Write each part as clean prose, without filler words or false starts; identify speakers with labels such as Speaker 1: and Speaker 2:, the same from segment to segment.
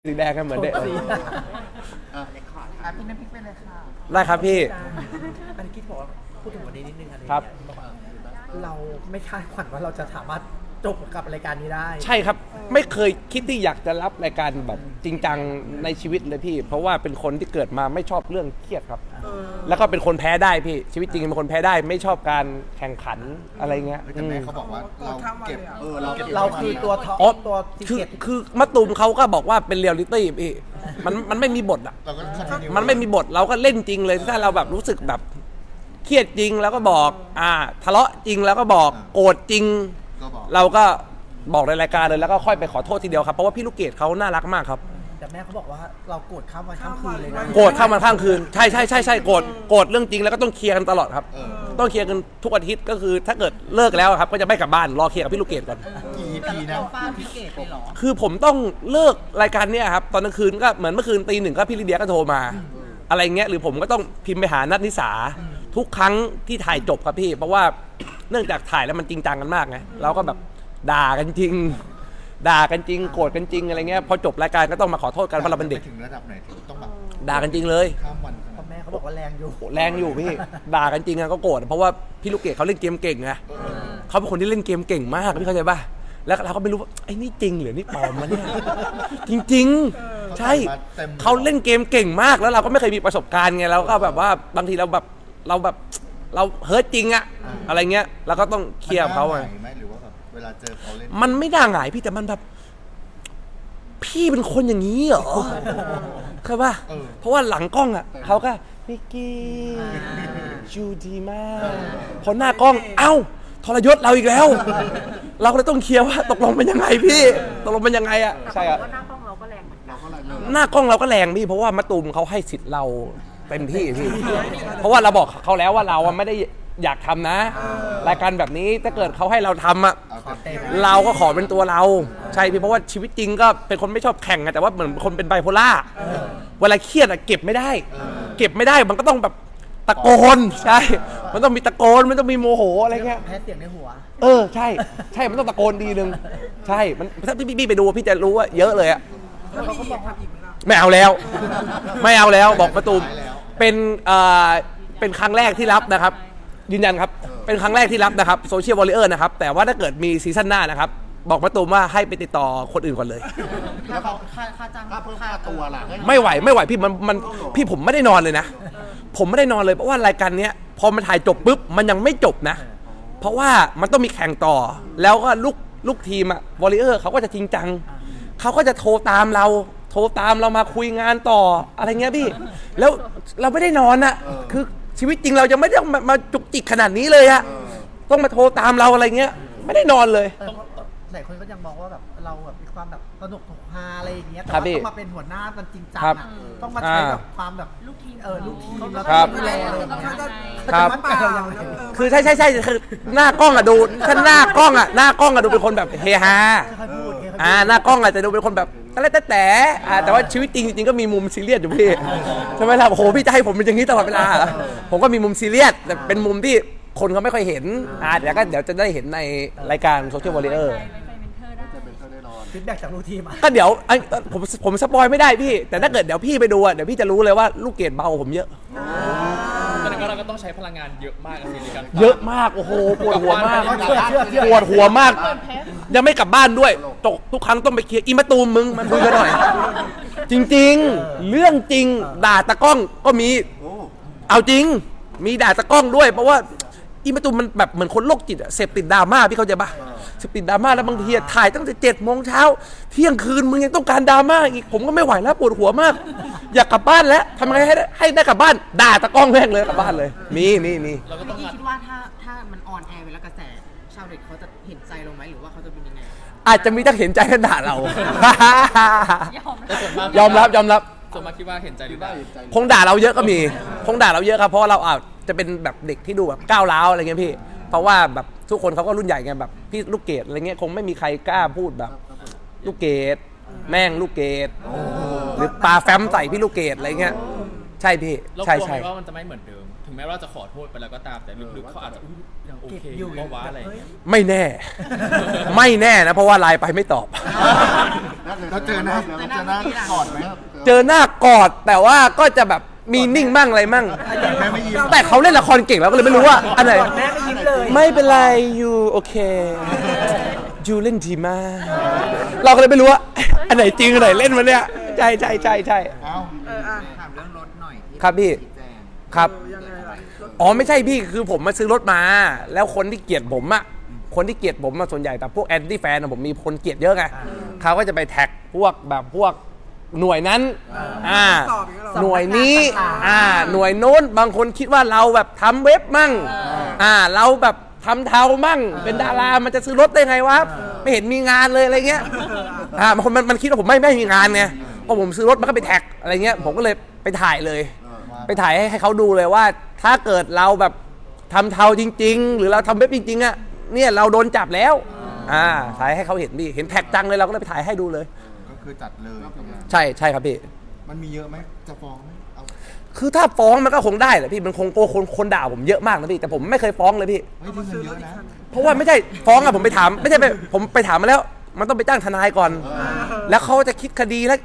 Speaker 1: สีแดงกันเหมือนเด็ก
Speaker 2: พี่น้ำพริกไปเลยค่ะ
Speaker 1: ได้ครับพี่
Speaker 3: อันนี้คิดบอกว่าพูดถึงวันนี้นิดนึงอันนี้
Speaker 1: ครับ
Speaker 3: เราไม่คาดฝันว่าเราจะสามารถจบกับรายการนี้ได้
Speaker 1: ใช่ครับไม่เคยคิดที่อยากจะรับรายการแบบจริงจังในชีวิตเลยพี่เพราะว่าเป็นคนที่เกิดมาไม่ชอบเรื่องเครียดครับแล้วก็เป็นคนแพ้ได้พี่ชีวิตจริงเป็นคนแพ้ได้ไม่ชอบการแข่งขันอะไรเงี้ย
Speaker 4: แต่แม่เขาบอกว่าเราเก็บ
Speaker 3: เราคือตัวท็อปตัวซีเกต
Speaker 1: คือมะตูมเขาก็บอกว่าเป็นเรียลลิตี้พี่มันไม่มีบทอ่ะมันไม่มีบทเราก็เล่นจริงเลยถ้าเราแบบรู้สึกแบบเครียดจริงแล้วก็บอกทะเลาะจริงแล้วก็บอกโกรธจริงเราก็บอกในรายการเลยแล้วก็ค่อยไปขอโทษทีเดียวครับเพราะว่าพี่ลูกเกดเขาน่ารักมากครับ
Speaker 3: แต่แม่เขาบอกว่าเราโกรธข้ามวันข้ามคืนเลยนะ
Speaker 1: โกรธข้ามวันข้ามคืนใช่โกรธเรื่องจริงแล้วก็ต้องเคลียร์กันตลอดครับต้องเคลียร์กันทุกอาทิตย์ก็คือถ้าเกิดเลิกแล้วครับก็จะไม่กลับบ้านรอเคลียร์กับพี่ลูกเกดก่อน
Speaker 4: กี่ปีนะ
Speaker 2: ฟาดพี่เกดเลยเหรอ
Speaker 1: คือผมต้องเลิกรายการเนี้ยครับตอนกลางคืนก็เหมือนเมื่อคืนตี 1ก็พี่ลิเดียก็โทรมาอะไรเงี้ยหรือผมก็ต้องพิมพ์ไปหานัทนิสาทุกครั้งที่ถ่ายจบครับพี่เพราะว่าเนื่องจากถ่ายแล้วมันจริงจังกันมากไงเราก็แบบด่ากันจริงโกรธกันจริงอะไรเงี้ยพอจบรายการก็ต้องมาขอโทษกันเพราะเราเป็นเด็ก
Speaker 4: ถึงระดับไหนถึงต้องแบบ
Speaker 1: ด่ากันจริงเลย
Speaker 4: ข้ามวัน
Speaker 3: แม่เขาบอกว่าแรง
Speaker 1: อยู่พี่ด่ากันจริงก็โกรธเพราะว่าพี่ลูกเกดเขาเล่นเกมเก่งไงเขาเป็นคนที่เล่นเกมเก่งมากพี่เข้าใจป่ะแล้วเราก็ไม่รู้ว่าไอ้นี่จริงหรือนี่ปลอมมันเนี่ยจริงๆใช่เขาเล่นเกมเก่งมากแล้วเราก็ไม่เคยมีประสบการณ์ไงเราก็แบบว่าบางทีเราเฮิร์ตจริงอะอะไรเงี้ยเราก็ต้องเคลียร์เขาไง
Speaker 4: หรือว่าแบบเวลาเจอเขาเล่น
Speaker 1: มันไม่น่าหงายพี่แต่มันแบบพี่เป็นคนอย่างนี้เหรอใช่ป่ะเพราะว่าหลังกล้องอะเขาก็นิกกี้จูดีมากพอหน้ากล้องเอ้าทรยศเราอีกแล้วเราก็เลยต้องเคลียร์ว่าตกลงเป็นยังไงพี่ตกลงเป็นยังไงอะใช่ครับ
Speaker 2: หน้ากล้องเราก็แรงเหมือนกัน
Speaker 1: หน้ากล้องเราก็แรงพี่เพราะว่ามะตูมเขาให้สิทธิ์เราเต็มที่พี่เพราะว่าเราบอกเขาแล้วว่าเราไม่ได้อยากทำนะรายการแบบนี้ถ้าเกิดเขาให้เราทำอะเราก็ขอเป็นตัวเราใช่พี่เพราะว่าชีวิตจริงก็เป็นคนไม่ชอบแข่งไงแต่ว่าเหมือนคนเป็นไบโพล่าเวลาเครียดอะเก็บไม่ได้มันก็ต้องแบบตะโกนใช่มันต้องมีตะโกนมันต้องมีโมโหอะไรเงี้ย
Speaker 3: แพ้เสียงในหัว
Speaker 1: ใช่มันต้องตะโกนดีนึงใช่มันถ้าพี่ไปดูพี่จะรู้ว่าเยอะเลยอะ
Speaker 3: เขาก็บอก
Speaker 1: ไม่เอาแล้วบอกมะตูมเป็นครั้งแรกที่รับนะครับยืนยันครับเป็นครั้งแรกที่รับนะครับโซเชียลวอลเลย์นะครับแต่ว่าถ้าเกิดมีซีซั่นหน้านะครับบอกมะตูมว่าให้ไปติดต่อคนอื่นก่อนเลย
Speaker 2: แล้วเขาค่าจ้าง
Speaker 4: ค่าเพิ่มค่าตัวล่ะ
Speaker 1: ไม่ไหวพี่มันพี่ผมไม่ได้นอนเลยนะผมไม่ได้นอนเลยเพราะว่ารายการเนี้ยพอมันถ่ายจบปุ๊บมันยังไม่จบนะเพราะว่ามันต้องมีแข่งต่อแล้วก็ลูกทีมอะวอลเลย์เขาก็จะจริงจังเขาก็จะโทรตามเรามาคุยงานต่ออะไรเงี้ยพี่แล้วเราไม่ได้นอนอะคือชีวิตจริงเรายังไม่ได้มาจุกจิกขนาดนี้เลยอะต้องมาโทรตามเราอะไรเงี้ยไม่ได้นอนเลย
Speaker 3: หลายคนก็ยังมองว่าแบบเราแบบมีความแบบสนุกฮาอะไรอย่างเงี้ยแต่ว่าต้องมาเป็นหัวหน้ามันจริงจังอะต้องมาใช้แบบความแบบลูกทีมแล้วก็ดูแลอะไรอย่างเงี้ย
Speaker 1: ครับคือใช่คือหน้ากล้องอะดูถ้าหน้ากล้องอะดูเป็นคนแบบเฮฮาหน้ากล้องอะจะดูเป็นคนแบบแต่ว่าชีวิตจริงก็มีมุมซีเรียสอยู่พี่ใช่ไหมล่ะโอ้โหพี่จะให้ผมเป็นอย่างนี้ตลอดเวลาผมก็มีมุมซีเรียสแต่เป็นมุมที่คนเขาไม่ค่อยเห็นเดี๋ยวจะได้เห็นในรายการโซเชียลวอลเลย์
Speaker 3: ฟีดแบ็กจากลูกทีม
Speaker 1: ก็เดี๋ยวผมสปอยไม่ได้พี่แต่ถ้าเกิดเดี๋ยวพี่ไปดูเดี๋ยวพี่จะรู้เลยว่าลูกเกดเบาผมเยอะ
Speaker 5: ตอนนั้นเราก็ต้องใช้พลังงานเยอะมากในการ
Speaker 1: เยอะมากโอ้โหปวดหัวมากยังไม่กลับบ้านด้วยทุกครั้งต้องไปเคลียร์อีมะตูมมึงมันคุยกันหน่อยจริงๆเรื่องจริงด่าตะกล้องก็มีเอาจริงมีด่าตะกล้องด้วยเพราะว่าอีมะตูมมันแบบเหมือนคนโรคจิตเสพติดดราม่าพี่เข้าใจปะเสพติดดราม่าแล้วบางทีถ่ายตั้งแต่7 โมงเช้าเที่ยงคืนมึงยังต้องการดราม่าอีกผมก็ไม่ไหวแล้วปวดหัวมากอยากกลับบ้านแล้วทำยังไงให้ได้กลับบ้านด่าตะกล้องแม่งเลยกลับบ้านเลยมี
Speaker 2: เราก็ต้องคิดว่าถ้ามันออนแอร์ไปแล้วกระแสชาวเน็ตเขาจะเห็นใจเราไหมหรือว่าเขาจะเป็นยังไง
Speaker 1: อาจจะมีทั้งเห็นใจและด่าเรายอมรับ
Speaker 5: ส่วนมากคิดว่าเห็นใจหรือเปล่า
Speaker 1: คงด่าเราเยอะก็มีคงด่าเราเยอะครับเพราะเราอาจจะเป็นแบบเด็กที่ดูแบบก้าวร้าวอะไรเงี้ยพี่เพราะว่าแบบทุกคนเขาก็รุ่นใหญ่ไงแบบพี่ลูกเกดอะไรเงี้ยคงไม่มีใครกล้าพูดแบบลูกเกดแม่งลูกเกดหรือปลาแฟ้มใส่พี่ลูกเกดอะไรเงี้ยใช่พี่
Speaker 5: ใช่ว่ามันจะไม่เหมือนเดิมถึงแม้ว่าจะขอโทษไปแล้วก็ตามแต่ลึกๆเขาอาจจะอุ๊ยยังโอเคอยู่ก็ว่าอะไรอย่างเงี้ย
Speaker 1: ไม่แน่ ไม่แน่นะเพราะว่าไลน์ไปไม่ตอบ
Speaker 4: เราเจอหน้าก่อนไหม
Speaker 1: เจอหน้ากอดแต่ว่าก็จะแบบมีนิ่งมั่งอะไรมั่ง
Speaker 4: แค่ไม่ยิ้ม
Speaker 1: แต่เขาเล่นละครเก่งแล้วก็เลยไม่รู้ว่าอันไหน
Speaker 3: แม่ก็ยิ้มเลย
Speaker 1: ไม่เป็นไรยูโอเคยูเล่นดีมาก เราก็เลยไม่รู้ว่าอันไหนจริงอันไหนเล่นมาเนี่ยใช่ใช่ใช่ใช่
Speaker 4: เอ้า
Speaker 2: ถามเรื่องรถหน่อยที่
Speaker 1: ครับพี่
Speaker 2: ชี้แจง
Speaker 1: ครับอ๋อไม่ใช่พี่คือผมมาซื้อรถมา แล้วคนที่เกลียดผมอะคนที่เกลียดผมมาส่วนใหญ่แต่พวกแอนตี้แฟนผมมีคนเกลียดเยอะไงเขาก็จะไปแท็กพวกแบบพวกหน่วยนั้นหน่วยนี้หน่วยโน้นบางคนคิดว่าเราแบบทำเว็บมั่งเราแบบทำเทามั่งเป็นดารามันจะซื้อรถได้ไงวะไม่เห็นมีงานเลยอะไรเงี้ยบางคนมันคิดว่าผมไม่มีงานไงพอผมซื้อรถมันก็ไปแท็กอะไรเงี้ยผมก็เลยไปถ่ายเลย ไปถ่ายให้เขาดูเลยว่าถ้าเกิดเราแบบทำเทาจริงๆหรือเราทำเว็บจริงๆอะเนี่ยเราโดนจับแล้วถ่ายให้เขาเห็นดิเห็นแท็กจังเลยเราก็เลยไปถ่ายให้ดูเลย
Speaker 4: ก็คือจัดเลยตรงนั้น
Speaker 1: ใช่ใช่ครับพี่
Speaker 4: มันมีเยอะไหมจะฟ้องไหมเอา
Speaker 1: คือถ้าฟ้องมันก็คงได้แหละพี่มันคงโกคนด่าผมเยอะมากนะพี่แต่ผมไม่เคยฟ้องเลยพี่
Speaker 4: เฮ้ยที่เงินเยอะนะ
Speaker 1: เพราะว่าไม่ใช่ฟ้องอะผมไปถามไม่ใช่ไปผมไปถามมาแล้ว มันต้องไปจ้างทนายก่อน แล้วเขาจะคิดคดีละ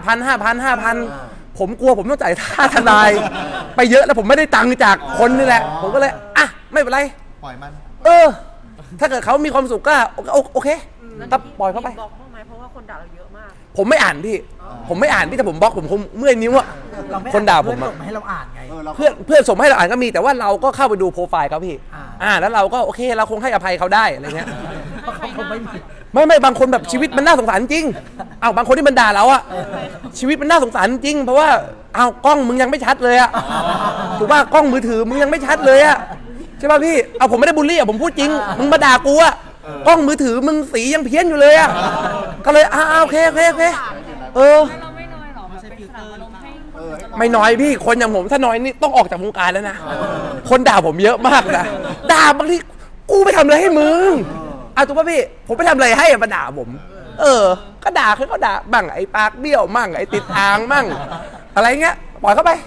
Speaker 1: 5,000 ผมกลัวผมต้องจ่ายค่าทนาย ไปเยอะแล้วผมไม่ได้ตังค์จากคนนี่แหละ ผมก็เลยไม่เป็นไร
Speaker 4: ปล่อยมัน
Speaker 1: ถ้าเกิดเขามีความสุขก็โอเคก็ปล่อยเขาไป
Speaker 6: บล็อกบ้างไหมเพราะว่าคนด่าเราเยอะมาก
Speaker 1: ผมไม่อ่านพี่ ผมไม่อ่านพี่แต่ผมบล็อกผมคงเมื่อยนิ้วอะ
Speaker 3: เราไม่
Speaker 1: คนด่าผม
Speaker 3: เพื่อน
Speaker 1: อะ
Speaker 3: ส่งมาให้เราอ่านไง
Speaker 1: เพื่อนส่งมาให้เราอ่านก็มีแต่ว่าเราก็เข้าไปดูโปรไฟล์เขาพี่แล้วเราก็โอเคเราคงให้อภัยเขาได้อะไรเงี้ย
Speaker 3: เพราะเขาคงไม่มี
Speaker 1: ไม่บางคนแบบชีวิตมันน่าสงสารจริงบางคนที่มันด่าเราอะชีวิตมันน่าสงสารจริง เพราะว่ากล้องมึงยังไม่ชัดเลยอะถูกป่ะกล้องมือถือมึงยังไม่ชัดเลยอะใช่ป่ะพี่ผมไม่ได้บูลลี่อะผมพูดจริงมึงมาด่ากูอะกล้องมือถือมึงสียังเพี้ยนอยู่เลยอะก็เลยโอเค
Speaker 6: เราไม่น้อยหรอแบบเป็นสนามอารมณ์ให้คน
Speaker 1: ไม่น้อยพี่คนอย่างผมถ้าน้อยนี่ต้องออกจากวงการแล้วนะคนด่าผมเยอะมากนะด่าบางทีกูไปทำอะไรให้มึงถูกป่ะพี่ผมไปทำอะไรให้มาด่าผมก็ด่าเขาก็ด่าบ้างไอ้ปากเบี้ยวมั่งไอ้ติดอ่างมั่งอะไรเงี้ยปล่อยเข้าไป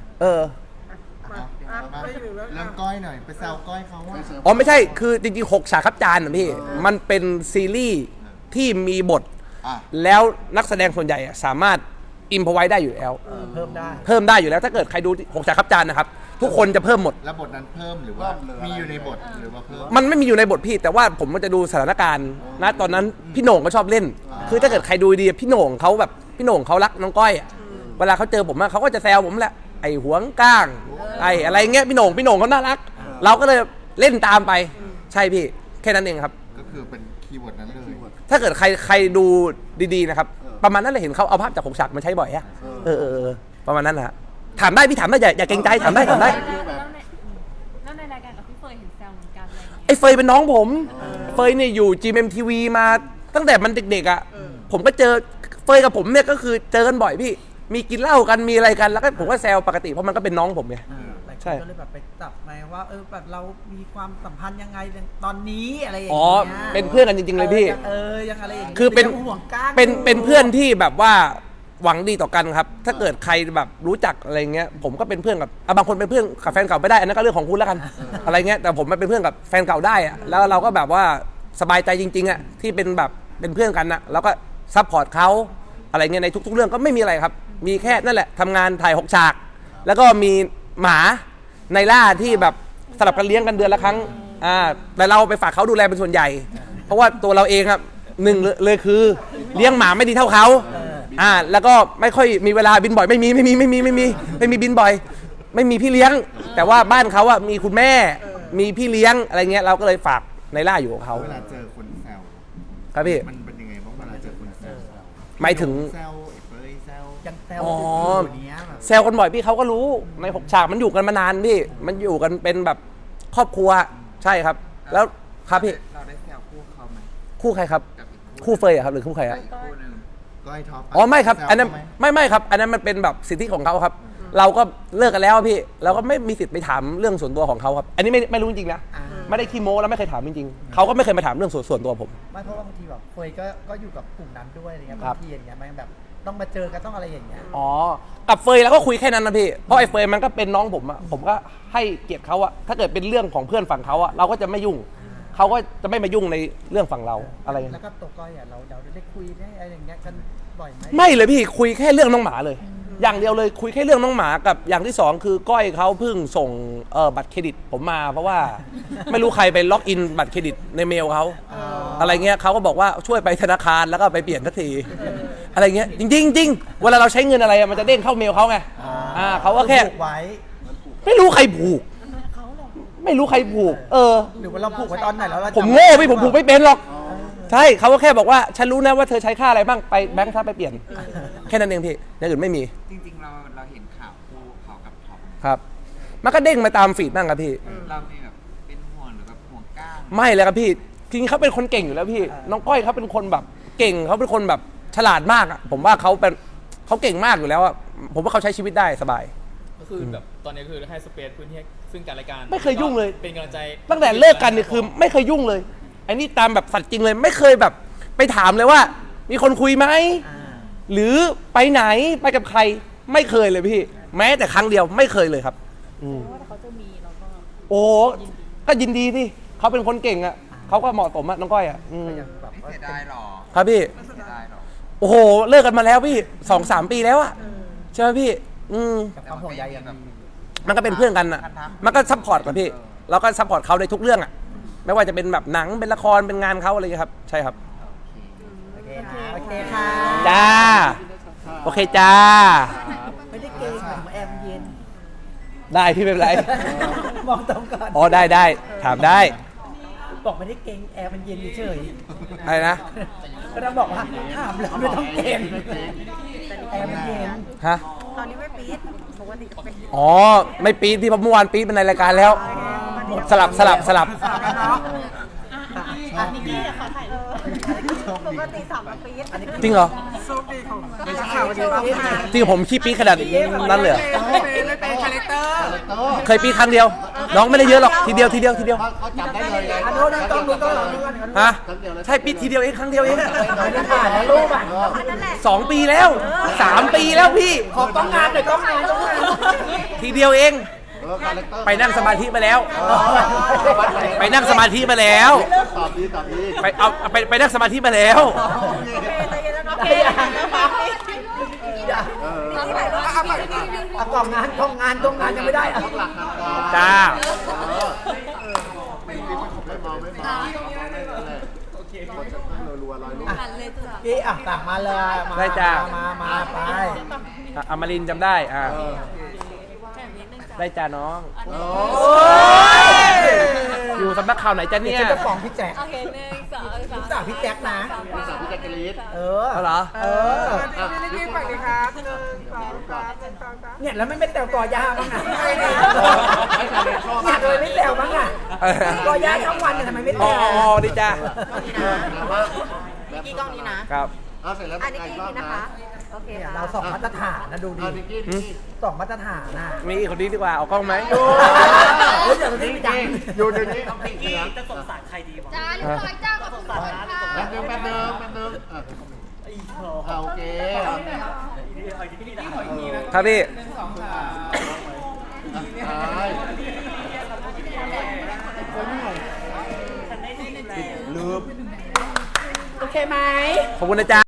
Speaker 4: เรื่องก้อยหน่อยไปแซวก้อยเขาว่า
Speaker 1: อ๋อไม่ใช่คือจริงๆ6ฉากครับจานนะพี่มันเป็นซีรีส์ที่มีบทแล้วนักแสดงส่วนใหญ่สามารถอิมพอไว้ได้อยู่แล้ว
Speaker 3: เพิ่มได้
Speaker 1: อยู่แล้วถ้าเกิดใครดู6ฉากครับจานนะครับทุกคนจะเพิ่มหมด
Speaker 4: แล้วบทนั้นเพิ่มหรือว่ามีอยู่ในบทหรือว่าเพิ่ม
Speaker 1: มันไม่มีอยู่ในบทพี่แต่ว่าผมมันจะดูสถานการณ์นะตอนนั้นพี่โหน่งก็ชอบเล่น คือถ้าเกิดใครดูดีพี่โหน่งเขาแบบพี่โหน่งเขารักน้องก้อยเวลาเขาเจอผมเขาก็จะแซวผมแหละไอ้หวงก้างไอ้อะไรเงี้ยพี่โหน่งเขาน่ารัก เราก็เลยเล่นตามไปใช่พี่แค่นั้นเองครับ
Speaker 4: ก็คือเป็นคีย์เวิร์ดนั้นเลย
Speaker 1: ถ้าเกิดใครดูดีๆนะครับประมาณนั้นเลยเห็นเขาเอาภาพจาก6ฉากมาใช้บ่อยอะประมาณนั้นแหละถามได้พี่ถามได้อย่าเกรงใจถามได้
Speaker 6: แล้วในรายการกับพี่เฟยเห็นแซวเหมือนกันอะไรอย่างเงี้ย
Speaker 1: ไอ้เฟยเป็นน้องผมเฟยเนี่ยอยู่ GMMTV มาตั้งแต่มันเด็กๆอ่ะผมก็เจอเฟยกับผมเนี่ยก็คือเจอกันบ่อยพี่มีกินเหล้ากันมีอะไรกันแล้วก็ผมก็แซวปกติเพราะมันก็เป็นน้องผมไง ใช่
Speaker 3: ก็เลยแบบไปจับมาว่าแบบเรามีความสัมพันธ์ยังไงตอนนี้อะไรอย่าง
Speaker 1: อ๋อ
Speaker 3: เงี้ย
Speaker 1: เป็นเพื่อนกันจริงๆเลยพี่
Speaker 3: ยังอะไรอย่างงี้ย
Speaker 1: คือเป็น
Speaker 3: ยังห่วงก้าง
Speaker 1: เป็นเพื่อนที่แบบว่าหวังดีต่อกันครับถ้าเกิดใครแบบรู้จักอะไรเงี้ยผมก็เป็นเพื่อนกับบางคนเป็นเพื่อนกับแฟนเก่าไม่ได้อันนั้นก็เรื่องของคุณแล้วกันอะไรเงี้ยแต่ผมมาเป็นเพื่อนกับแฟนเก่าได้อะแล้วเราก็แบบว่าสบายใจจริงๆอะที่เป็นแบบเป็นเพื่อนกันนะแล้วก็ซัพพอร์ตเขาอะไรเงี้ยในทุกๆเรื่องก็ไม่มีอะไรครับมีแค่นั่นแหละทำงานถ่าย6ฉากแล้วก็มีหมาในล่าที่แบบสลับกันเลี้ยงกันเดือนละครั้งแต่เราไปฝากเขาดูแลเป็นส่วนใหญ่ เพราะว่าตัวเราเองครับหนึ่งเลยคือเลี้ยงหมาไม่ดีเท่าเขาแล้วก็ไม่ค่อยมีเวลาบินบ่อยไม่มีบินบ่อยไม่มีพี่เลี้ยง แต่ว่าบ้านเขาอะมีคุณแม่มีพี่เลี้ยงอะไรเงี้ยเราก็เลยฝากในล่าอยู่กับเขา
Speaker 4: เวลาเจอคนแซว
Speaker 1: ครับพี่
Speaker 4: มันเป็นยังไงบ้างเวลาเจอคนแซว
Speaker 1: หมายถึง
Speaker 4: แซวไอ้เฟยแซว
Speaker 3: ยังแซว
Speaker 1: อ๋อ
Speaker 3: อยู่เนี้ยแบบ
Speaker 1: แซวกันบ่อยพี่เขาก็รู้ใน6ฉากมันอยู่กันมานานพี่มันอยู่กันเป็นแบบครอบครัวใช่ครับแล้วครับพี่
Speaker 2: เราได้แซวคู่เขาไหม
Speaker 1: คู่ใครครับ
Speaker 2: กับอีก
Speaker 1: คู่เฟยอะครับหรือคู่ใครอะ
Speaker 2: คู่หนึ่ง
Speaker 4: ก้อยท็อป
Speaker 1: อ๋อไม่ครับ
Speaker 4: แซว
Speaker 1: อันนั้น
Speaker 4: เขาไหม
Speaker 1: ไม่ครับอันนั้นมันเป็นแบบสิทธิของเขาครับ เราก็เลิกกันแล้วพี่เราก็ไม่มีสิทธิ์ไปถามเรื่องส่วนตัวของเขาครับอันนี้ไม่รู้จริงๆนะไม่ได้ขี้โม้แล้วไม่เคยถามจริงๆเขาก็ไม่เคยมาถามเรื่องส่วนตัวผม
Speaker 3: ไม่เพราะว่าบางทีแบบเฟยก็อยู่กับกลุ่มนั้นด้วยอะไรเงี้ย
Speaker 1: ครับ
Speaker 3: บางทีอย่างเงี้ยมันแบบต้องมาเจอกันต้องอะไรอย่างเงี้ย
Speaker 1: อ๋อกับเฟยแล้วก็คุยแค่นั้นนะพี่เพราะไอ้เฟยมันก็เป็นน้องผมอะผมก็ให้เกียรติเขาอะถ้าเกิดเป็นเรื่องของเพื่อนฝั่งเขาอะเราก็จะไม่ยุ่งเขาก็จะไม่มายุ่งในเรื่องฝั่งเราอะไรอย่าง
Speaker 3: แล้
Speaker 1: เงี้
Speaker 3: วย ก็ตัวก้อยอ่ะเราได้คุยได้อะไรอย่างเงี้ยกันบ่อยไหม
Speaker 1: ไม่เลยพี่คุยแค่เรื่องน้องหมาเลย อย่างเดียวเลยคุยแค่เรื่องน้องหมากับอย่างที่สองคือก้อยเขาเพิ่งส่งบัตรเครดิตผมมาเพราะว่า ไม่รู้ใครไปล็อกอินบัตรเครดิตในเมลเขาอะไรเงี้ยเขาก็บอกว่าช่วยไปธนาคารแล้วก็ไปเปลี่ยนทันทีอะไรเงี้ยจริงๆจริงเวลาเราใช้เงินอะไรมันจะเด้งเข้าเมลเขาไงเขาก็แค่
Speaker 3: ผูกไว้
Speaker 1: ไม่รู้ใครผูกไม่รู้ใครผูก
Speaker 3: หรือว่าเราผูกไว้ตอนไหนแล้วเรา
Speaker 1: ผมโง่พี่ผมผูกไม่เป็นหรอกใช่เขาก็แค่บอกว่าฉันรู้นะว่าเธอใช้ค่าอะไรบ้างไปแบงค์ท่าไปเปลี่ยนแค่นั้นเองพี่อย่างอื่นไม่มี
Speaker 7: จริงๆเราเห็นข่าวคู่เขากับท็อป
Speaker 1: ครับมันก็เด้งมาตามฟีดบ้างครับพี่
Speaker 7: เรามีแบบเป็นห่วงหรือแบบห่วงก้าง
Speaker 1: ไม่เลยครับพี่จริงๆเขาเป็นคนเก่งอยู่แล้วพี่น้องก้อยเขาเป็นคนแบบเก่งเขาเป็นคนแบบฉลาดมากอ่ะผมว่าเขาเก่งมากอยู่แล้วอ่ะผมว่าเขาใช้ชีวิตได้สบาย
Speaker 5: ก็คือแบบตอนนี้คือให้สเปซพื้นที่ซึ่งกันและกัน
Speaker 1: ไม่เคยยุ่งเลย
Speaker 5: เป็นกำลังใจ
Speaker 1: ตั้งแต่เลิกกันเนี่ยคือไม่เคยยุ่งเลยไอ้นี่ตามแบบสัตว์จริงเลยไม่เคยแบบไปถามเลยว่า มีคนคุยไหมหรือไปไหนไปกับใครไม่เคยเลยพี่แม้แต่ครั้งเดียวไม่เคยเลยครับ
Speaker 6: ว่าถ้าเขาจะมีเราก็
Speaker 1: โอ้ก็ยินดีที่เขาเป็นคนเก่งอ่ะเขาก็เหมาะสมอ่ะน้องก้อยอ่ะ
Speaker 3: แบบ
Speaker 7: ไม่
Speaker 3: ว่า
Speaker 7: เสียดายหรอ
Speaker 1: ครับพี่
Speaker 7: ไม่เสียดายหรอ
Speaker 1: โอ้โหเลิกกันมาแล้วพี่2-3 ปีแล้วอ่ะใช่ไหมพี่
Speaker 3: กับความห่วงใยอย่างแบบ
Speaker 1: มันก็เป็นเพื่อนกันอ่ะมันก็ซัพพอร์ตกันพี่เราก็ซัพพอร์ตเขาในทุกเรื่องอ่ะไม่ว่าจะเป็นแบบหนังเป็นละครเป็นงานเขาอะไรอย่างเงี้ยครับใช่ครับ
Speaker 3: โอเคค่ะ
Speaker 1: จ้าโอเคจ้า
Speaker 3: ไม่ได้เกย์ผมแอมเย็น
Speaker 1: ได้พี่ไม่เป็นไร
Speaker 3: มองตรงก่อน
Speaker 1: อ๋อได้ถามได้
Speaker 3: บอกไม่ได้เกงแอร์มันเย็นเฉย
Speaker 1: อะไรนะ
Speaker 3: ๆก็ต้องบอกว่าถามแล้วไม่ต้องเกงแอร์มันเย็น
Speaker 1: ฮะ
Speaker 2: ตอนนี้ไม่ปี๊ดปกติก็เป็น
Speaker 1: อ๋อไม่ปี๊ดพี่เพราะเมื่อวานปี๊ดเป็นในรายการแล้ว สลับ
Speaker 3: สลับกันเนาะ
Speaker 2: ปกติ3 ปี๊ด
Speaker 1: จริงเหรอ
Speaker 3: ไม่ใช่ข่าวดีมาก
Speaker 1: จริงผมขี้ปี๊ดขนาดนั้นเลยเหรอ
Speaker 2: ไม่เป็นคาแรคเตอร์
Speaker 1: เคยปี๊ดครั้งเดียว น้องไม่ได้เยอะหรอกทีเดียว
Speaker 4: เขาจับได้เลยไง
Speaker 3: อันนู้นต้องดูต้องดูกัน
Speaker 1: ฮะใช่ปี๊ดทีเดียวเองครั้งเดียวเอง
Speaker 3: ไม่ได้ผ่านนะรูปอ่ะ
Speaker 1: 2 ปีแล้ว 3 ปีแล้วพี่
Speaker 3: ขอต้องงานหน่อยต้องงาน
Speaker 1: ทีเดียวเอง
Speaker 4: คาแรคเตอร์
Speaker 1: ไปนั่งสมาธิมาแล้ว ไปนั่งสมาธิมาแล้ว
Speaker 4: ตอบดี
Speaker 1: ไปนั่งสมาธิมาแล้ว
Speaker 3: กล่องงานยังไม่ได้อ่ะ
Speaker 1: จ้า
Speaker 4: ไม่เมารัวๆลอยลูก
Speaker 3: พี่อ่ะสั่งมาเลยมาไป
Speaker 1: อมรินทร์จำได้ได้จ้าน้อง อยู่สำนักข่าวไหนจ้าเนี่ย
Speaker 3: จะฟ้องพี่แจ๊ค
Speaker 6: โอเค1 2 3
Speaker 3: สาวพี่แจ๊คนะ
Speaker 4: พี่แจ็คกะลีด
Speaker 1: เอาเหรอ
Speaker 2: นี่ฝั่งนี้ครับ
Speaker 3: เนี่ยแล้วไม่แซวกอย่าบ้างอ่ะเนี่ยเลยไม่แซวบ้างอ่ะกอย่าทั้งวันเนี่ยทำไมไม่แซ
Speaker 1: อ๋อ
Speaker 3: ว
Speaker 1: ดีจ้า
Speaker 2: กี่กล้องนี้นะครับ
Speaker 4: เสร็จแล้ว
Speaker 2: อันนี้กี่นี้นะคะโอเค
Speaker 3: เนี่ย
Speaker 2: ค่ะ
Speaker 3: เราสองมาตรฐานนะดูดิ
Speaker 4: นิกกี้
Speaker 3: สองมาตรฐานนะ
Speaker 1: มีคนนี้ดีกว่าเอากล้องไหม
Speaker 3: เดี๋ยวนี้จัง
Speaker 4: อยู่เดี๋ยวนี้นิกกี้
Speaker 7: จะสงสารใครดีบ้าง
Speaker 6: จ้าเรียบร้อยจ้าขอบคุณค่ะ
Speaker 4: แป๊บนึงโอเค
Speaker 1: ครับพี่
Speaker 4: ลืม
Speaker 3: โอเคไหม
Speaker 1: ขอบคุณนะจ๊ะ